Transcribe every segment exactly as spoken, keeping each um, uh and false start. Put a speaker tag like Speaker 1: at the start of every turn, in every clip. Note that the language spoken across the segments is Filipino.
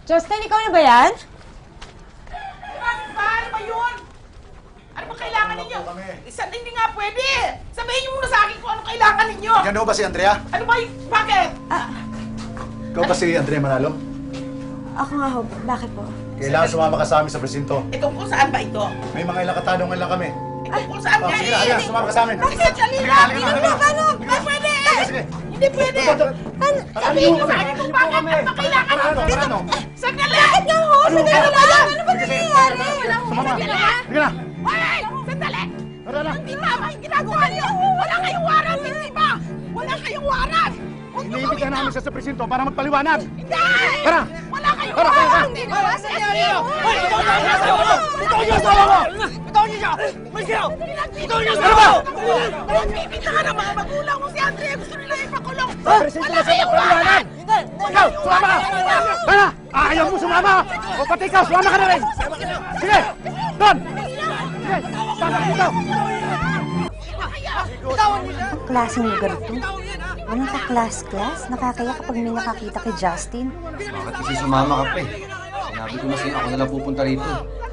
Speaker 1: Justin, ikaw na ba yan?
Speaker 2: Paano ba yun? Ano ba kailangan ninyo? Isa hindi nga pwede! Sabihin niyo muna sa akin kung ano kailangan ninyo!
Speaker 3: Yan ho ba si Andrea?
Speaker 2: Ano ba yung... Bakit?
Speaker 3: Ikaw ba si Andrea Manalo?
Speaker 1: Ako nga ho. Bakit po?
Speaker 3: Kailangan sumama ka sa amin sa presinto.
Speaker 2: E tungkol saan ba ito?
Speaker 3: May mga ilang katanungan lang kami.
Speaker 2: E tungkol saan
Speaker 3: Oh,
Speaker 2: nga
Speaker 3: sige na, halika, sumama ka sa amin.
Speaker 2: Bakit? Halika!
Speaker 3: Halika, halika,
Speaker 2: Paano?
Speaker 3: halika.
Speaker 2: Hindi pwede!
Speaker 3: Sige, sige.
Speaker 2: Hindi pwede! Sabihin niyo sa akin kung bakit ano ba kailangan
Speaker 3: Ano,
Speaker 2: ninyo!
Speaker 3: ano?
Speaker 2: Sandali! Bakit nga ho? Sandali
Speaker 3: Ano?
Speaker 2: lang!
Speaker 1: Ano ba nangyayari?
Speaker 3: Sumama.
Speaker 2: Sandali!
Speaker 3: Halika na.
Speaker 2: Hoy! Sandali!
Speaker 3: Tara na.
Speaker 2: Hindi tama yung ginagawa niyo! Wala kayong warrant, hindi ba? Wala kayong warrant! Huwag niyo
Speaker 3: Iniibig
Speaker 2: gawin
Speaker 3: namin
Speaker 2: to!
Speaker 3: siya sa presinto para magpaliwanag.
Speaker 2: Hindi!
Speaker 3: Tara!
Speaker 2: Wala kayong
Speaker 3: Tara, tara,
Speaker 2: warrant!
Speaker 3: tara.
Speaker 2: Hindi ba? Sige!
Speaker 4: Hoy! Ikaw niyo ang asawa ko! Ikaw niyo ang asawa ko! Ikaw niyo siya! May kayo! Ikaw niyo ang
Speaker 3: Ano
Speaker 4: asawa
Speaker 3: ba?
Speaker 4: ko!
Speaker 2: Nagbibintangan ang mga magulang mo si Andrea! Gusto nila ipakulong!
Speaker 3: Sa presinto na siya magpaliwanag. Ikaw, sumama ka! Tara! Ayaw mo sumama! O pati ikaw, sumama ka na rin! Sige! Doon! Sige! Tama dito!
Speaker 1: Klaseng lugar to. Walang ka-class-class. Nakakaya kapag may nakakita kay Justin.
Speaker 5: Bakit kasi sumama ka pa eh? Sinabi ko na sa'yo, ako na lang pupunta rito.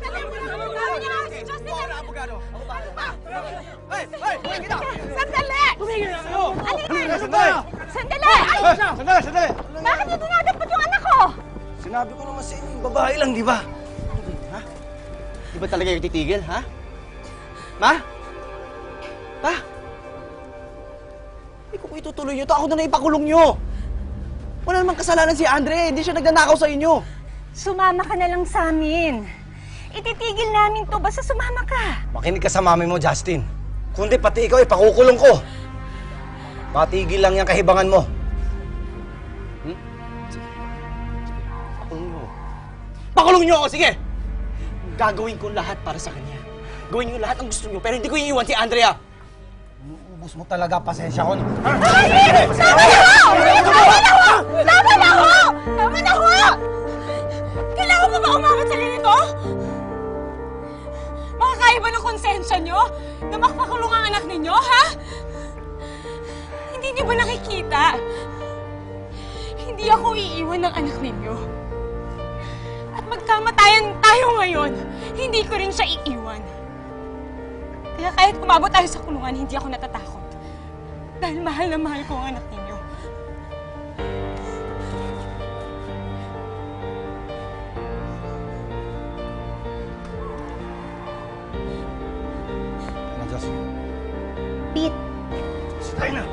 Speaker 2: Sandali!
Speaker 4: Sandali!
Speaker 2: Sandali!
Speaker 4: Sandali! Sandali!
Speaker 2: Bakit niyo dinadapat yung anak ko?
Speaker 4: Sinabi ko naman sa inyo, babae lang, di ba? Ha? Di ba talaga yung titigil, ha? Ma? Pa? Hindi ko po itutuloy nyo to. Ako na na ipakulong nyo. Wala namang kasalanan si Andre. Hindi siya nagnanakaw sa inyo.
Speaker 1: Sumama ka na lang sa amin. Ititigil namin to. Basta sumama ka.
Speaker 4: Makinig ka sa mami mo, Justin. Kundi pati ikaw, ipakukulong ko. Patigil lang yung kahibangan mo. Hmm? Sige. Pakulong nyo. Pakulong nyo ako, sige! Gagawin ko lahat para sa kanya. Gawin nyo lahat ang gusto nyo, pero hindi ko iiwan si Andrea. Uubos mo talaga, pasensya ko.
Speaker 2: Tama na ho! Tama na ho! Tama na ho! Kailangan mo ba umawat sa ganito? Makakaya ba ng konsensya nyo na makapakulong ang anak ninyo, ha? Hindi niyo ba nakikita? Hindi ako iiwan ng anak ninyo. At magkamatayan tayo ngayon, hindi ko rin siya iiwan. Kaya kahit umabot tayo sa kulungan, hindi ako natatakot. Dahil mahal na mahal ko ang anak ninyo.
Speaker 4: Ano, Justin?
Speaker 1: Pete,
Speaker 4: Tayo na!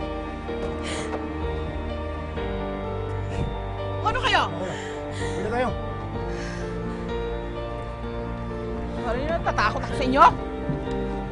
Speaker 2: Ano kayo?
Speaker 3: Pwede tayo.
Speaker 2: Ano yun? Tatakot ako sa inyo?